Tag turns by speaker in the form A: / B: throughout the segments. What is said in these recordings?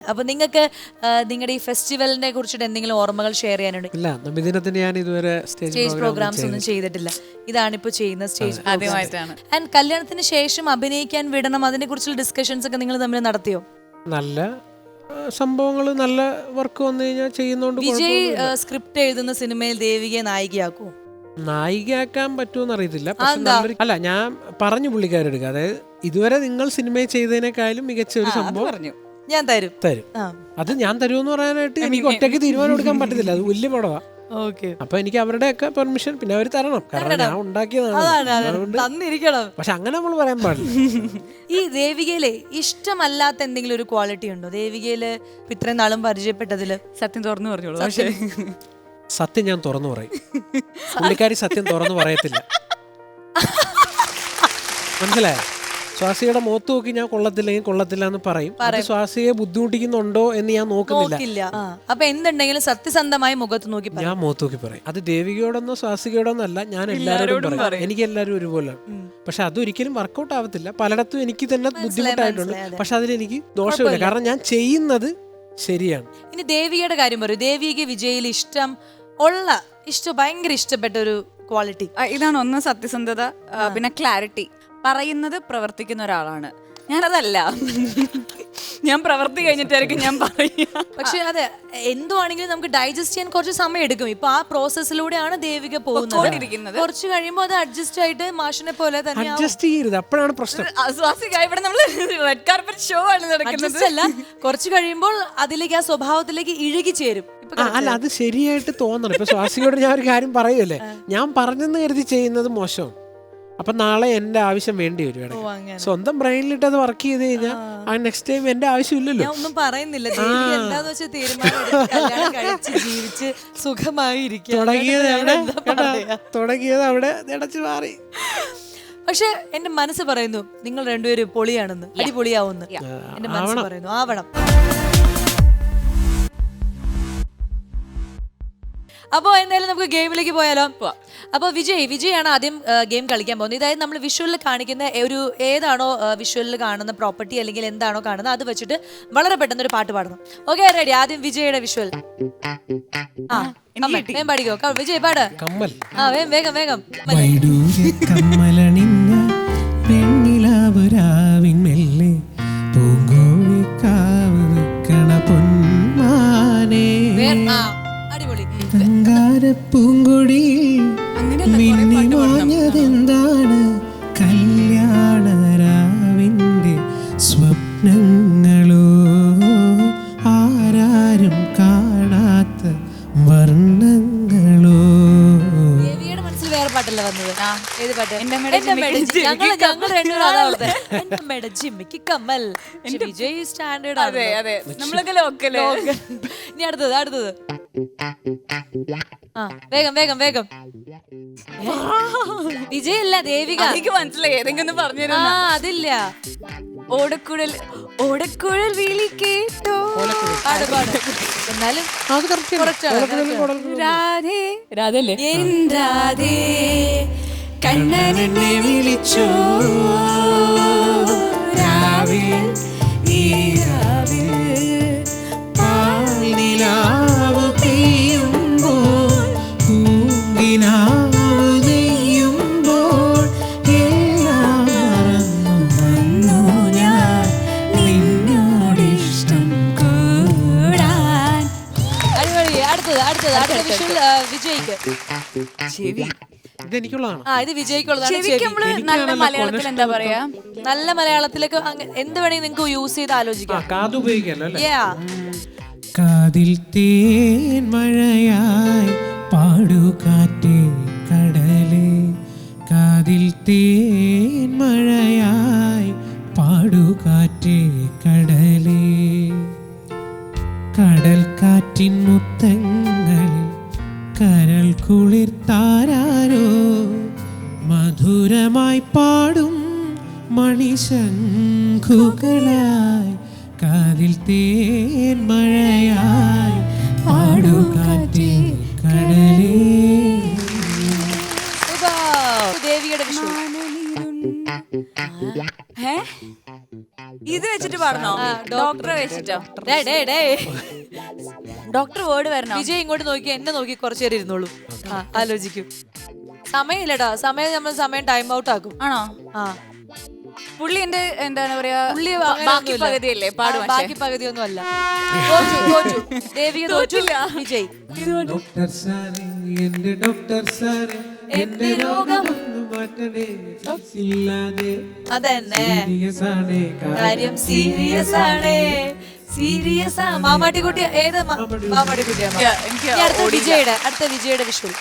A: അപ്പൊ നിങ്ങൾക്ക് നിങ്ങളുടെ ഈ ഫെസ്റ്റിവലിനെ കുറിച്ചിട്ട് എന്തെങ്കിലും ഓർമ്മകൾ ഷെയർ ചെയ്യാനുണ്ട്?
B: ഇല്ല, നബിദിനത്തിന് ഞാൻ ഇതുവരെ
A: സ്റ്റേജ് പ്രോഗ്രാംസ് ഒന്നും ചെയ്തിട്ടില്ല. ഇതാണിപ്പോ ചെയ്യുന്ന സ്റ്റേജ്
C: ആദ്യമായിട്ടാണ്.
A: ആൻഡ് കല്യാണത്തിന് ശേഷം അഭിനയിക്കാൻ വിടണം, അതിനെ കുറിച്ചുള്ള ഡിസ്കഷൻസ് ഒക്കെ നിങ്ങൾ തമ്മിൽ നടത്തിയോ?
B: നല്ല സംഭവങ്ങൾ, നല്ല വർക്ക് വന്നു കഴിഞ്ഞാൽ ചെയ്യുന്നോണ്ട്
A: വിജയ് സ്ക്രിപ്റ്റ് എഴുതുന്ന സിനിമയിൽ ദേവികയെ നായികയാക്കൂ?
B: നായികയാക്കാൻ പറ്റുമെന്ന് അറിയത്തില്ല. അല്ല, ഞാൻ പറഞ്ഞു പുള്ളിക്കാരെടുക്കുക, അതായത് ഇതുവരെ നിങ്ങൾ സിനിമയിൽ ചെയ്തതിനേക്കാളും മികച്ച ഒരു സംഭവം
C: പറഞ്ഞു
A: ഞാൻ തരും.
B: അത് ഞാൻ തരുമെന്ന് പറയാനായിട്ട് എനിക്ക് ഒറ്റയ്ക്ക് തീരുമാനം എടുക്കാൻ പറ്റത്തില്ല, അത് വലിയ പടവാ. അപ്പൊ എനിക്ക് അവരുടെയൊക്കെ പെർമിഷൻ പിന്നെ അവർ തരണം, കാരണം ഞാൻ ഉണ്ടാക്കിയതാണ്. പക്ഷെ അങ്ങനെ നമ്മൾ പറയാൻ പാടില്ല.
A: ഈ ദേവികയിലെ ഇഷ്ടമല്ലാത്ത എന്തെങ്കിലും ഒരു ക്വാളിറ്റി ഉണ്ടോ ദേവികയില് ഇത്രയും നാളും പരിചയപ്പെട്ടതില്?
C: സത്യം തുറന്നു പറഞ്ഞോളൂ. പക്ഷേ
B: സത്യം ഞാൻ തുറന്നു പറയും, പുള്ളിക്കാരി സത്യം തുറന്നു പറയത്തില്ല. മനസ്സിലായോ? സ്വാസിയുടെ മുഖത്ത് നോക്കി ഞാൻ കൊള്ളത്തില്ലെങ്കിൽ കൊള്ളത്തില്ല എന്ന് പറയും. സ്വാസിയെ ബുദ്ധിമുട്ടിക്കുന്നുണ്ടോ എന്ന് ഞാൻ നോക്കുന്നില്ല.
A: അപ്പൊ എന്തുണ്ടെങ്കിലും സത്യസന്ധമായി മുഖത്ത് നോക്കി
B: ഞാൻ മുഖത്ത് നോക്കി പറയും. അത് ദേവികയോടൊന്നോ സ്വാസികയോടൊന്നോ അല്ല, ഞാൻ എല്ലാവരോടും പറയും. എനിക്ക് എല്ലാവരും ഒരുപോലെ. പക്ഷെ അതൊരിക്കലും വർക്കൗട്ട് ആവത്തില്ല. പലയിടത്തും എനിക്ക് തന്നെ ബുദ്ധിമുട്ടായിട്ടുണ്ട്. പക്ഷെ അതിലെനിക്ക് ദോഷമില്ല, കാരണം ഞാൻ ചെയ്യുന്നത് ശരിയാണ്.
A: ഇനി ദേവികയുടെ കാര്യം പറയൂ. ദേവിക്ക് വിജയിൽ ഭയങ്കര ഇഷ്ടപ്പെട്ട ഒരു ക്വാളിറ്റി
C: ഇതാണ്. ഒന്ന് സത്യസന്ധത, പിന്നെ ക്ലാരിറ്റി. പറയുന്നത് പ്രവർത്തിക്കുന്ന ഒരാളാണ്. ഞാനതല്ല, ഞാൻ പ്രവർത്തി കഴിഞ്ഞിട്ടായിരിക്കും ഞാൻ പറയാ.
A: പക്ഷെ അതെ, എന്തുവാണെങ്കിലും നമുക്ക് ഡൈജസ്റ്റ് ചെയ്യാൻ കുറച്ച് സമയം എടുക്കും. ഇപ്പൊ ആ പ്രോസസ്സിലൂടെയാണ് ദേവിക പോകുന്നത്. കുറച്ച് കഴിയുമ്പോൾ അത് അഡ്ജസ്റ്റ് ആയിട്ട് മാഷിനെ പോലെ തന്നെ
B: അഡ്ജസ്റ്റ് ചെയ്യരുത്, അപ്പോഴാണ് പ്രശ്നം.
C: ഇവിടെ നമ്മള് റെഡ് കാർപ്പറ്റ് ഷോ ആണ് നടക്കുന്നത്.
A: അല്ല, കുറച്ച് കഴിയുമ്പോൾ അതിലേക്ക്, ആ സ്വഭാവത്തിലേക്ക് ഇഴുകി ചേരും.
B: അല്ല, അത് ശരിയായിട്ട് തോന്നണം. ഇപ്പൊ സ്വാസിയോട് ഞാൻ ഒരു കാര്യം പറയുമല്ലേ, ഞാൻ പറഞ്ഞെന്ന് കരുതി ചെയ്യുന്നത് മോശം. അപ്പൊ നാളെ എന്റെ ആവശ്യം വേണ്ടി വരും. സ്വന്തം ബ്രെയിനിലിട്ട് അത് വർക്ക് ചെയ്ത് കഴിഞ്ഞാൽ ആ നെക്സ്റ്റ് ടൈം എന്റെ ആവശ്യമില്ലല്ലോ.
A: ഞാൻ ഒന്നും പറയുന്നില്ല, എന്താന്ന് വെച്ചാൽ തീരുമാനം ജീവിച്ച് സുഖമായി
B: തുടങ്ങിയത് അവിടെ അടച്ചു മാറി.
A: പക്ഷെ എന്റെ മനസ്സ് പറയുന്നു നിങ്ങൾ രണ്ടുപേരും പൊളിയാണെന്ന്, അടിപൊളിയാവുന്നു. എന്റെ മനസ്സ് പറയുന്നു ആവണം. അപ്പോൾ എന്തായാലും നമുക്ക് ഗെയിമിലേക്ക് പോയാലോ? അപ്പോൾ വിജയാണ് ആദ്യം ഗെയിം കളിക്കാൻ പോകുന്നത്. ഇതായത് നമ്മൾ വിഷ്വലിൽ കാണിക്കുന്ന ഒരു ഏതാണോ വിഷ്വലിൽ കാണുന്ന പ്രോപ്പർട്ടി അല്ലെങ്കിൽ എന്താണോ കാണുന്നത് അത് വെച്ചിട്ട് വളരെ പെട്ടെന്ന് ഒരു പാട്ട് പാടണം. Okay, ready? ആദ്യം വിജയുടെ വിഷ്വൽ. വേഗം പാടിക്കോ വിജയ്, പാട്. വേഗം വേഗം. അടിപൊളി.
D: പൂങ്കൊടി മിന്നിമാഞ്ഞതെന്താണ് കല്യാണരാവിന്റെ സ്വപ്നങ്ങളോ, ആരാരും കാണാത്ത വർണ്ണങ്ങളോ.
A: ദേവിയുടെ മനസ്സിൽ വേറെ പാട്ടല്ല വന്നത്. ഏത് പാട്ട്? കമ്മൽ. വിജയ് സ്റ്റാൻഡേർഡ്.
C: അതെ അതെ, നമ്മളൊക്കെ ലോക്കല്.
A: ഇനി അടുത്തത്. വേഗം വേഗം വേഗം. വിജയ് അല്ല, ദേവിക.
C: എനിക്ക് മനസ്സിലായി, ഏതെങ്കിലും പറഞ്ഞു.
A: അതില്ല.
C: ഓടക്കുഴൽ വിളി കേട്ടോ.
A: എന്നാലും
C: രാധല്ലേ?
A: രാധേ കണ്ണനെന്നെ വിളിച്ചോ രാവിൽ ഈ രാവിൽ
D: പാലിലാവു പെയ്യുമ്പോൾ പൂങ്കിനാവു നെയ്യുമ്പോൾ എല്ലാം മറന്നു വന്നു ഞാൻ നിന്നോടിഷ്ടം കൂടാൻ.
A: അടിപൊളി. അടുത്ത വിഷ്വൽ വിജയ്ക്ക്.
C: ചെവി.
B: ഇതെനിക്കുള്ളതാണ്.
A: ഇത് വിജയ്ക്കുള്ളതാണ്.
C: നല്ല മലയാളത്തിൽ എന്താ പറയാ?
A: നല്ല മലയാളത്തിലേക്ക് എന്ത് വേണമെങ്കിൽ നിങ്ങൾക്ക് യൂസ് ചെയ്ത് ആലോചിക്കാം.
B: കാത് ഉപയോഗിക്കാലോ അല്ലേ?
D: കാതിൽ തേൻ മഴയായി പാടുകാറ്റേ കടലേ, കാതിൽ തേൻ മഴയായി പാടുകാറ്റേ കടലേ, കടൽ കാറ്റിൻ മുത്തങ്ങളിൽ കരൾ കുളിർത്താരോ, മധുരമായി പാടും മണിശംഖുകളായി കാതിൽ തേൻ മഴയായി പാടുകാറ്റേ കടലേ.
A: ദേവിയുടെ
C: ഇത് വെച്ചിട്ട് പാടണോ? ഡോക്ടറെ വെച്ചിട്ടോ? ഡോക്ടർ വേർഡ് വരണോ?
A: വിജയ് ഇങ്ങോട്ട് നോക്കി, എന്നെ നോക്കി കുറച്ചു നേരം ഇരുന്നോളൂ. ആലോചിക്കും. സമയമില്ലടാ, സമയം ടൈം ഔട്ട് ആക്കും.
C: ആണോ?
A: ആ,
C: പുള്ളി എന്റെ എന്താണ് പറയാ,
A: പുള്ളി
C: ബാക്കി പകുതിയല്ലേ പാടും.
A: ബാക്കി പകുതിയൊന്നും അല്ല. തോറ്റു. ദേവിക തോറ്റു. വിജയ്
D: ഡോക്ടർ സാറേ, എന്റെ ഡോക്ടർ സാറേ, എന്റെ രോഗം ഒന്ന് മാറ്റണേ, ഇല്ലാതെ
A: അതന്നെ
D: സീരിയസ് ആണ്
A: കാര്യം, സീരിയസ് ആണ്. സീരിയസ് ആ. മാമാട്ടിക്കുട്ടി ഏത് മാമാട്ടിക്കുട്ടിയാണ്?
C: എനിക്ക്
A: അടുത്ത വിജയുടെ വിഷ്വൽ.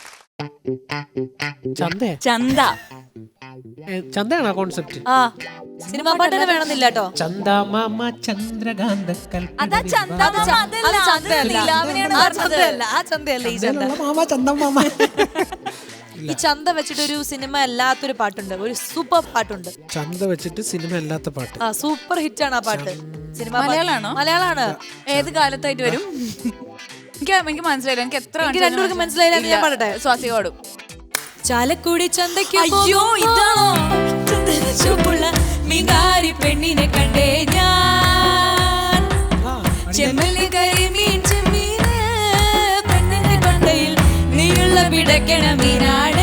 C: ചന്ത.
B: ചന്തയാണോ കോൺസെപ്റ്റ്?
A: ആ, സിനിമാ പാട്ടിന് വേണമെന്നില്ല കേട്ടോ.
B: ചന്ദ മാമ ചന്ദ്രകാന്ത
C: അതാ ചന്ത.
A: ആ ചന്തയല്ല ഈ ചന്ത.
B: മാമ ചന്ദ മാമ.
A: ഈ ചന്ത വെച്ചിട്ട് ഒരു സിനിമ അല്ലാത്തൊരു പാട്ടുണ്ട്, ഒരു സൂപ്പർ പാട്ടുണ്ട്.
B: ചന്ത വെച്ചിട്ട് സിനിമ അല്ലാത്ത പാട്ട്.
A: ആ, സൂപ്പർ ഹിറ്റ് ആണ് ആ പാട്ട്. സിനിമ
C: മലയാളാണോ?
A: മലയാളാണ്.
C: ഏത് കാലത്തായിട്ട് വരും? എനിക്ക് മനസ്സിലായില്ല. എനിക്ക് എത്ര
A: രണ്ടുപേർക്ക് മനസ്സിലായില്ല. ഞാൻ പാടട്ടെ.
C: സ്വാസി പാടും.
A: ചാലക്കുടി ചന്തയ്ക്ക്
C: അയ്യോ, ഇതാണോ?
A: ചുവപ്പുള്ള മികാരി പെണ്ണിനെ കണ്ടേ ഞാൻ, ചെമ്മല്ലി കരിമീൻ ചെമ്മീന് പെണ്ണിന്റെ കൊണ്ടയിൽ നീയുള്ള പിടക്കണ മീനാടേ.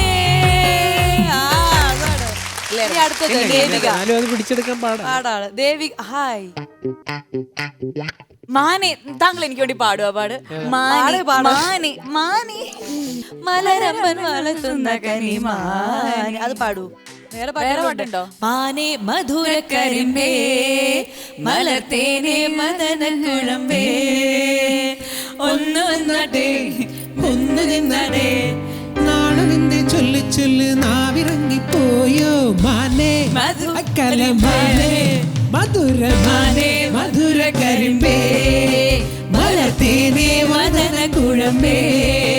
A: അടുത്തത് ദേവിക.
B: അത് പിടിച്ചെടുക്കാൻ
A: പാടാണ് ദേവിക. ഹായ്
C: മാനെ, താങ്കൾ എനിക്ക് വേണ്ടി പാടുക. മാനെ
A: മലരമ്പൻ വളർത്തുന്ന കനിമാൻ. അത് പാടൂ. വേറെ
C: പാട്ടുണ്ടോ?
A: മാനെ മധുര കരിമ്പേ മലർത്തേനെ മദന കുഴമ്പേ ഒന്ന് വന്നടേ ഒന്ന് നിന്നടേ.
D: നാളെ നിന്റെ ചൊല്ലു ചൊല്ല് നാവിറങ്ങിപ്പോയോ മാനേ അക്കല മാനേ മധുര മാനേ മധുര കരിമ്പേ മലർത്തേനെ മദന കുഴമ്പേ.